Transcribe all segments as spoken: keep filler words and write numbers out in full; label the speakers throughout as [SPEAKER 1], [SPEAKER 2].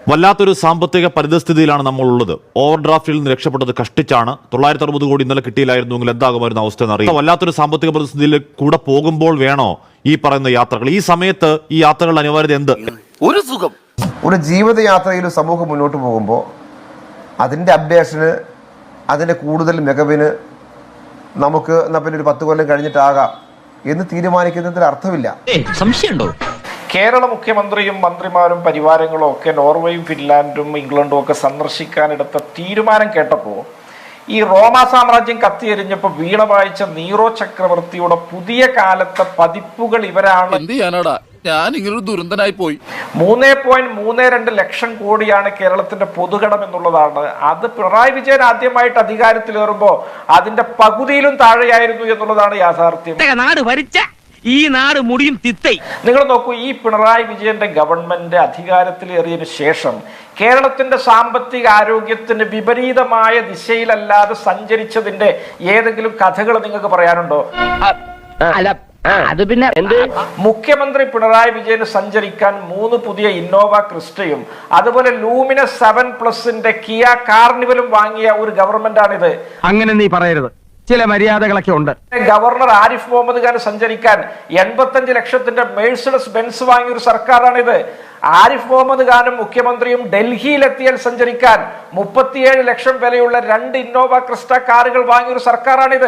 [SPEAKER 1] വല്ലാത്തൊരു സാമ്പത്തിക പരിതസ്ഥിതിയിലാണ് നമ്മളുള്ളത്. ഓവർ ഡ്രാഫ്റ്റിൽ നിന്ന് രക്ഷപ്പെട്ടത് കഷ്ടിച്ചാണ്. തൊള്ളായിരത്തി അറുപത് കോടി ഇന്നലെ കിട്ടിയില്ലായിരുന്നുവെങ്കിൽ എന്താകുമായിരുന്ന അവസ്ഥ എന്നറിയാം. വല്ലാത്തൊരു സാമ്പത്തിക പരിസ്ഥിതിയിൽ കൂടെ പോകുമ്പോൾ വേണോ ഈ പറയുന്ന യാത്രകൾ? ഈ സമയത്ത് ഈ യാത്രകളുടെ അനിവാര്യത എന്ത്?
[SPEAKER 2] ഒരു സുഖം.
[SPEAKER 3] ഒരു ജീവിതയാത്രയിൽ സമൂഹം മുന്നോട്ട് പോകുമ്പോൾ അതിൻ്റെ അപ്ഡേഷന്, അതിൻ്റെ കൂടുതൽ മികവിന് നമുക്ക് എന്നാൽ പിന്നെ ഒരു പത്ത് കൊല്ലം കഴിഞ്ഞിട്ടാകാം എന്ന് തീരുമാനിക്കുന്നതിൽ അർത്ഥമില്ല.
[SPEAKER 4] സംശയമുണ്ടോ?
[SPEAKER 5] കേരള മുഖ്യമന്ത്രിയും മന്ത്രിമാരും പരിവാരങ്ങളും ഒക്കെ നോർവേയും ഫിൻലാൻഡും ഇംഗ്ലണ്ടും ഒക്കെ സന്ദർശിക്കാനെടുത്ത തീരുമാനം കേട്ടപ്പോൾ ഈ റോമ സാമ്രാജ്യം കത്തിയെരിഞ്ഞപ്പോൾ വീണ വായിച്ച നീറോ ചക്രവർത്തിയുടെ പുതിയ കാലത്തെ പതിപ്പുകൾ ഇവരാണ്.
[SPEAKER 2] എന്ത് ചെയ്യാനാടാ, ഞാൻ ഇങ്ങനൊരു ദുരന്തനായി പോയി.
[SPEAKER 5] മൂന്ന് പോയിന്റ് മൂന്ന് രണ്ട് ലക്ഷം കോടിയാണ് കേരളത്തിന്റെ പൊതുകടം എന്നുള്ളതാണ്. അത് പിണറായി വിജയൻ ആദ്യമായിട്ട് അധികാരത്തിലേറുമ്പോൾ അതിന്റെ പകുതിയിലും താഴെയായിരുന്നു എന്നുള്ളതാണ് യാഥാർത്ഥ്യം.
[SPEAKER 4] നാട് ഭരിച്ച ഈ നാട് മുടിയും തിത്തൈ.
[SPEAKER 5] നിങ്ങൾ നോക്കൂ, ഈ പിണറായി വിജയന്റെ ഗവൺമെന്റ് അധികാരത്തിലേറിയതിനു ശേഷം കേരളത്തിന്റെ സാമ്പത്തിക ആരോഗ്യത്തിന് വിപരീതമായ ദിശയിലല്ലാതെ സഞ്ചരിച്ചതിന്റെ ഏതെങ്കിലും കഥകൾ നിങ്ങൾക്ക് പറയാനുണ്ടോ?
[SPEAKER 4] അത് പിന്നെ
[SPEAKER 5] മുഖ്യമന്ത്രി പിണറായി വിജയന് സഞ്ചരിക്കാൻ മൂന്ന് പുതിയ ഇന്നോവ ക്രിസ്റ്റയും അതുപോലെ ലൂമിന സെവൻ പ്ലസിന്റെ കിയ കാർണിവലും വാങ്ങിയ ഒരു ഗവൺമെന്റാണിത്.
[SPEAKER 4] അങ്ങനെ നീ പറയരുത്, ചില മര്യാദകളൊക്കെ ഉണ്ട്.
[SPEAKER 5] ഗവർണർ ആരിഫ് മുഹമ്മദ് ഖാൻ സഞ്ചരിക്കാൻ എൺപത്തഞ്ച് ലക്ഷത്തിന്റെ മേഴ്സിഡസ് ബെൻസ് വാങ്ങിയ ഒരു സർക്കാരാണിത്. ആരിഫ് മുഹമ്മദ് ഖാനും മുഖ്യമന്ത്രിയും ഡൽഹിയിലെത്തിയാൽ സഞ്ചരിക്കാൻ മുപ്പത്തിയേഴ് ലക്ഷം വിലയുള്ള രണ്ട് ഇന്നോവ ക്രിസ്റ്റ കാറുകൾ വാങ്ങിയ ഒരു സർക്കാരാണിത്.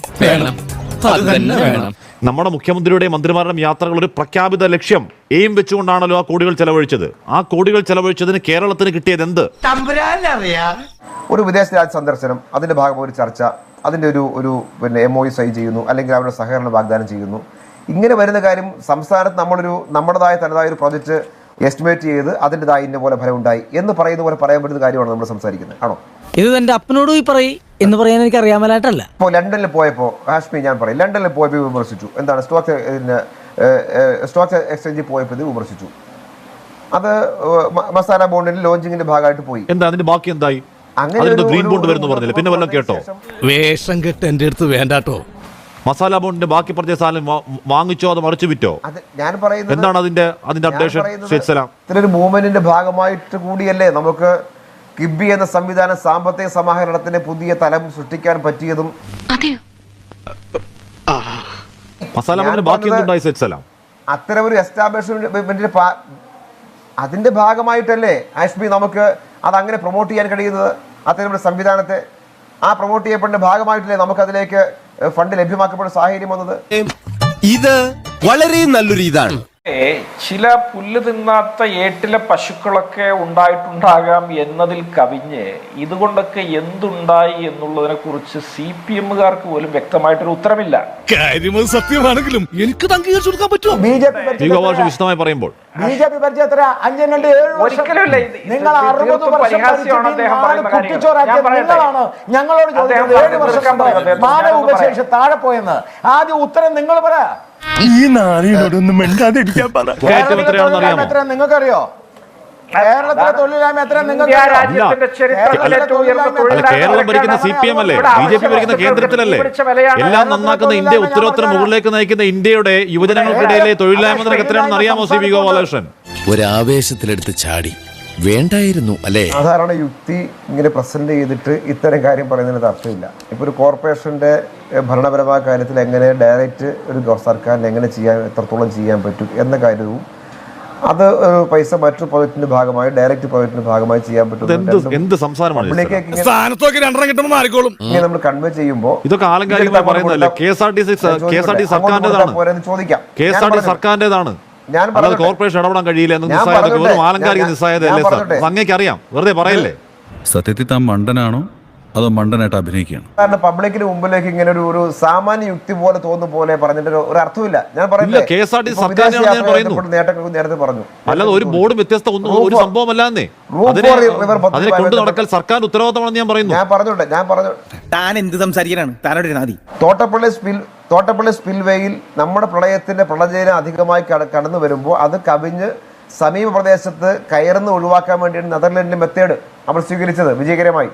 [SPEAKER 1] നമ്മുടെ മുഖ്യമന്ത്രിയുടെയും മന്ത്രിമാരുടെയും യാത്രകൾ ഒരു പ്രഖ്യാപിത ലക്ഷ്യം എയിം വെച്ചുകൊണ്ടാണല്ലോ ആ കോടികൾ ചെലവഴിച്ചത്. ആ കോടികൾ ചെലവഴിച്ചതിന് കേരളത്തിന് കിട്ടിയത് എന്ത്?
[SPEAKER 3] ഒരു വിദേശ രാജ്യ സന്ദർശനം, അതിന്റെ ഭാഗം ഒരു ചർച്ച, അതിന്റെ ഒരു ഒരു പിന്നെ എം ഒ യു സൈൻ ചെയ്യുന്നു, അല്ലെങ്കിൽ അവരുടെ സഹകരണം വാഗ്ദാനം ചെയ്യുന്നു. ഇങ്ങനെ വരുന്ന കാര്യം സംസ്ഥാനത്ത് നമ്മളൊരു നമ്മുടേതായ തനതായ ഒരു പ്രോജക്റ്റ് എസ്റ്റിമേറ്റ് ചെയ്ത് അതിൻ്റെതായ ഇന്ന പോലെ ഫലം ഉണ്ടായി എന്ന് പറയുന്ന പോലെ പറയാൻ പറ്റുന്ന കാര്യമാണ് നമ്മൾ സംസാരിക്കുന്നത്. ആണോ?
[SPEAKER 6] ഇത് എന്റെ അപ്പനോട് പോയി പറയും എന്ന് പറയാൻ എനിക്ക് അറിയാമലായിട്ടല്ല.
[SPEAKER 3] ഇപ്പോൾ ലണ്ടനിൽ പോയപ്പോൾ ഹാഷ്മി ഞാൻ പറയും, ലണ്ടനിൽ പോയപ്പോൾ വിമർശിച്ചു. എന്താണ് സ്റ്റോക്ക് സ്റ്റോക്ക് എക്സ്ചേഞ്ചിൽ പോയപ്പോൾ ഇത് വിമർശിച്ചു. അത് മസാല ബോണ്ടിന്റെ ലോഞ്ചിങ്ങിന്റെ ഭാഗമായിട്ട് പോയി.
[SPEAKER 1] എന്താ അതിന്റെ ബാക്കി എന്തായി? ഗ്രീൻ ബോണ്ട് വരുന്നു പറഞ്ഞില്ല, പിന്നെ വല്ലതും കേട്ടോ?
[SPEAKER 2] വേഷം കെട്ട് എന്റെ അടുത്ത് വേണ്ടാട്ടോ.
[SPEAKER 1] മസാല ബോണ്ടിന്റെ ബാക്കി പറഞ്ഞ സാധനം വാങ്ങിച്ചോ, അത് മറിച്ചു വിറ്റോ?
[SPEAKER 3] ഞാൻ പറയുന്നത്
[SPEAKER 1] എന്താണ് അതിന്റെ അതിന്റെ അപ്ഡേഷൻ?
[SPEAKER 3] ഇത്തരൊരു മൂവ്മെന്റിന്റെ ഭാഗമായിട്ട് കൂടിയല്ലേ നമുക്ക് കിബി എന്ന സംവിധാനം സാമ്പത്തിക സമാഹരണത്തിന് പുതിയ തലം സൃഷ്ടിക്കാൻ പറ്റിയതും.
[SPEAKER 1] മസാല ബോണ്ടിന്റെ ബാക്കി എന്തുണ്ടായി സെറ്റ്സലാം?
[SPEAKER 3] അത്തരം ഒരു എസ്റ്റാബ്ലിഷ്മെന്റിന്റെ അതിന്റെ ഭാഗമായിട്ടല്ലേ ആഷ്മി നമുക്ക് അതങ്ങനെ പ്രൊമോട്ട് ചെയ്യാൻ കഴിയുന്നത്? അത്തരം ഒരു സംവിധാനത്തെ ആ പ്രൊമോട്ട് ചെയ്യപ്പെടുന്ന ഭാഗമായിട്ടല്ലേ നമുക്ക് അതിലേക്ക് ഫണ്ട് ലഭ്യമാക്കപ്പെടുന്ന സാഹചര്യം വന്നത്?
[SPEAKER 7] ഇത് വളരെ നല്ലൊരു ഇതാണ്.
[SPEAKER 5] ചില പുല്ല് തിന്നാത്ത ഏട്ടിലെ പശുക്കളൊക്കെ ഉണ്ടായിട്ടുണ്ടാകാം എന്നതിൽ കവിഞ്ഞ് ഇതുകൊണ്ടൊക്കെ എന്തുണ്ടായി എന്നുള്ളതിനെ കുറിച്ച് സി പി എമ്മുകാർക്ക് പോലും വ്യക്തമായിട്ടൊരു ഉത്തരമില്ല.
[SPEAKER 2] സത്യമാണെങ്കിലും എനിക്ക് അംഗീകരിച്ചു കൊടുക്കാൻ പറ്റുമോ?
[SPEAKER 1] വിശദമായി പറയുമ്പോൾ
[SPEAKER 8] ബി ജെ പി പരിചയത്ര അഞ്ചും രണ്ട് ഏഴ്
[SPEAKER 5] ഒരിക്കലുമില്ല.
[SPEAKER 8] നിങ്ങൾ അറുപത് വർഷം നിങ്ങളാണ് ഞങ്ങളോട് ചോദിക്കുന്നത് ഏഴ് വർഷം മാനവ ഉപശേഷി താഴെ പോയെന്ന്. ആദ്യം ഉത്തരം നിങ്ങൾ പറ.
[SPEAKER 7] ഈ നാളിനോടൊന്നും മിണ്ടാതിരിക്കാൻ പറ.
[SPEAKER 8] എത്ര നിങ്ങൾക്കറിയോ? കേരളത്തിലെ തൊഴിലില്ലായ്മ എത്ര നിങ്ങൾക്ക്?
[SPEAKER 1] കേരളം ഭരിക്കുന്ന സി പി എം അല്ലേ, ബി ജെ പി ഭരിക്കുന്ന കേന്ദ്രത്തിലല്ലേ? എല്ലാം നന്നാക്കുന്ന ഇന്ത്യ, ഉത്തരോത്തര മുകളിലേക്ക് നയിക്കുന്ന ഇന്ത്യയുടെ യുവജനങ്ങൾക്കിടയിലെ തൊഴിലില്ലായ്മ നിരക്ക് എത്രയാണെന്ന് അറിയാമോ ശ്രീ വി ഗോപാലകൃഷ്ണൻ?
[SPEAKER 7] ഒരാവേശത്തിലെടുത്ത് ചാടി വേണ്ടായിരുന്നു അല്ലേ?
[SPEAKER 3] സാധാരണ യുക്തി ഇങ്ങനെ പ്രസന്റ് ചെയ്തിട്ട് ഇത്തരം കാര്യം പറയുന്നതിന് അർത്ഥമില്ല. ഇപ്പൊ ഒരു കോർപ്പറേഷന്റെ ഭരണപരമായ കാര്യത്തിൽ എങ്ങനെ ഡയറക്റ്റ് ഒരു സർക്കാരിന് എങ്ങനെ ചെയ്യാൻ എത്രത്തോളം ചെയ്യാൻ പറ്റും എന്ന കാര്യവും അത് പൈസ മറ്റു പ്രോജക്റ്റിന്റെ ഭാഗമായി ഡയറക്റ്റ് പ്രോജക്റ്റിന്റെ ഭാഗമായി ചെയ്യാൻ പറ്റും നമ്മൾ കൺവേ ചെയ്യുമ്പോൾ
[SPEAKER 1] ഇതൊക്കെ ആലങ്കാരികമായി പറയുന്നതല്ലേ? K S R T C K S R T സർക്കാരിന്റേതാണ്,
[SPEAKER 3] ചോദിക്കാം.
[SPEAKER 1] കെ എസ് ആർ ടി സർക്കാരിന്റേതാണ്. കോർപ്പറേഷൻ ഇടപെടാൻ കഴിയില്ല എന്ന് വെറും ആലങ്കാരിക നിസ്സായതല്ലേ സാർ? അങ്ങേക്ക് അറിയാം, വെറുതെ പറയല്ലേ.
[SPEAKER 9] സത്യത്തിൽ താൻ മണ്ടനാണോ അതോ മണ്ടനായിട്ട് അഭിനയിക്കുകയാണ്?
[SPEAKER 3] കാരണം പബ്ലിക്കിന് മുമ്പിലേക്ക് ഇങ്ങനെ ഒരു ഒരു സാമാന്യ യുക്തി പോലെ തോന്നുന്ന പോലെ പറഞ്ഞിട്ട് ഒരു അർത്ഥമില്ല. ഞാൻ പറയുന്നത്
[SPEAKER 1] കെ എസ് ആർ ടി സർക്കാരിനാണ്
[SPEAKER 3] നേരത്തെ പറഞ്ഞു,
[SPEAKER 1] അല്ലാതെ ഒരു ബോർഡ് വ്യത്യസ്ത ഒന്നും ഒരു സംഭവം അല്ലാന്നേ. അതിനെ കൊണ്ടു നടക്കൽ സർക്കാർ ഉത്തരവാദിത്തമാണെന്ന് ഞാൻ പറയുന്നു.
[SPEAKER 3] ഞാൻ പറഞ്ഞോട്ടെ ഞാൻ പറഞ്ഞു
[SPEAKER 7] താൻ എന്ത് സംസാരിക്കാനാണ്? താനോട് നാദി
[SPEAKER 3] തോട്ടപ്പള്ളി സ്പിൽ തോട്ടപ്പള്ളി സ്പിൽവേയിൽ നമ്മുടെ പ്രളയത്തിന്റെ പ്രളയജലം അധികമായി കടന്നു വരുമ്പോൾ അത് കവിഞ്ഞ് സമീപ പ്രദേശത്ത് കയറുന്ന ഒഴിവാക്കാൻ വേണ്ടിയാണ് നെതർലൻഡിന്റെ മെത്തേഡ് നമ്മൾ സ്വീകരിച്ചത് വിജയകരമായി.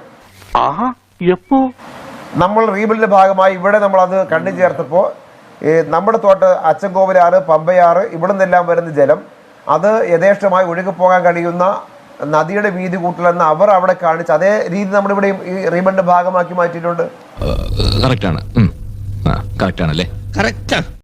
[SPEAKER 3] നമ്മൾ റീബിൽഡിന്റെ ഭാഗമായി ഇവിടെ നമ്മൾ അത് കണ്ടു ചേർത്തപ്പോൾ നമ്മുടെ തോട്ട അച്ചൻകോവിലാറ്, പമ്പയാറ് ഇവിടെ നിന്നെല്ലാം വരുന്ന ജലം അത് യഥേഷ്ടമായി ഒഴുകിപ്പോകാൻ കഴിയുന്ന നദിയുടെ വീതി കൂട്ടലെന്ന് അവർ അവിടെ കാണിച്ച് അതേ രീതി നമ്മുടെ ഇവിടെ ഈ റീബന്റെ ഭാഗമാക്കി മാറ്റിയിട്ടുണ്ട്.
[SPEAKER 10] കറക്റ്റ് ആണ് കറക്റ്റ് ആണല്ലേ? കറക്റ്റ്.